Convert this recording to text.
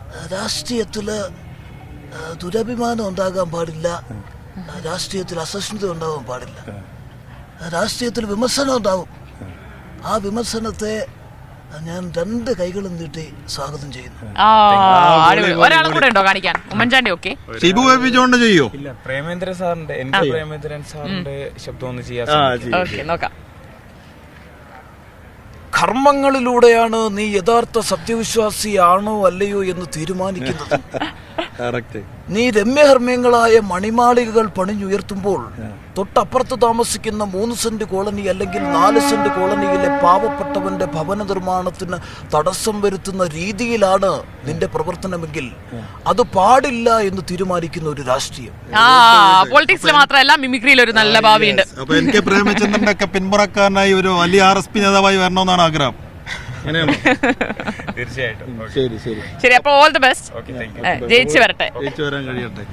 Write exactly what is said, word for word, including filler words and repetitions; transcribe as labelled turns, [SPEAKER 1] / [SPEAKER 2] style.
[SPEAKER 1] രാഷ്ട്രീയത്തില് ദുരഭിമാനം ഉണ്ടാകാൻ പാടില്ല, രാഷ്ട്രീയത്തിൽ അസഹിഷ്ണുത ഉണ്ടാകാൻ പാടില്ല, രാഷ്ട്രീയത്തിൽ വിമർശനം ഉണ്ടാവും. ആ വിമർശനത്തെ ഞാൻ രണ്ട് കൈകളും നീട്ടി സ്വാഗതം ചെയ്യുന്നു.
[SPEAKER 2] ഒരാളും കൂടെ ഉണ്ടോ കാണിക്കാൻ? Oommen Chandy okay,
[SPEAKER 3] Shibu baby John ചെയ്യോ?
[SPEAKER 4] ഇല്ല, പ്രേമേന്ദ്ര സാറിന്റെ എന്റെ പ്രേമേന്ദ്രൻ സാറിന്റെ ശബ്ദം ഒന്ന് ചെയ്യാൻ
[SPEAKER 2] നോക്കാം.
[SPEAKER 1] കർമ്മങ്ങളിലൂടെയാണ് നീ യഥാർത്ഥ സത്യവിശ്വാസിയാണോ അല്ലയോ എന്ന് തീരുമാനിക്കുന്നത്. നീ രമ്യഹർമ്മ്യങ്ങളായ മണിമാളികകൾ പണിഞ്ഞുയർത്തുമ്പോൾ തൊട്ടപ്പുറത്ത് താമസിക്കുന്ന മൂന്ന് സെന്റ് കോളനി അല്ലെങ്കിൽ നാല് സെന്റ് കോളനിയിലെ പാവപ്പെട്ടവന്റെ ഭവന നിർമ്മാണത്തിന് തടസ്സം വരുത്തുന്ന രീതിയിലാണ് നിന്റെ പ്രവർത്തനമെങ്കിൽ അത് പാടില്ല എന്ന് തീരുമാനിക്കുന്ന ഒരു രാഷ്ട്രീയം.
[SPEAKER 2] പൊളിറ്റിക്സിൽ മാത്രമല്ല മിമിക്രിയിൽ ഒരു നല്ല ഭാവിയുണ്ട്.
[SPEAKER 3] അപ്പൊ എനിക്ക് പ്രേമചന്ദ്രന്റെ ഒക്കെ പിന്മുറക്കാരനായി ഒരു വലിയ ആർ എസ് പി നേതാവായി വരണമെന്നാണ് ആഗ്രഹം.
[SPEAKER 4] തീർച്ചയായിട്ടും.
[SPEAKER 3] ശരി ശരി
[SPEAKER 2] ശരി, അപ്പൊ ഓൾ ദി ബെസ്റ്റ്. ജയിച്ചു വരട്ടെ.
[SPEAKER 3] ജയിച്ചു വരാൻ കഴിയട്ടെ.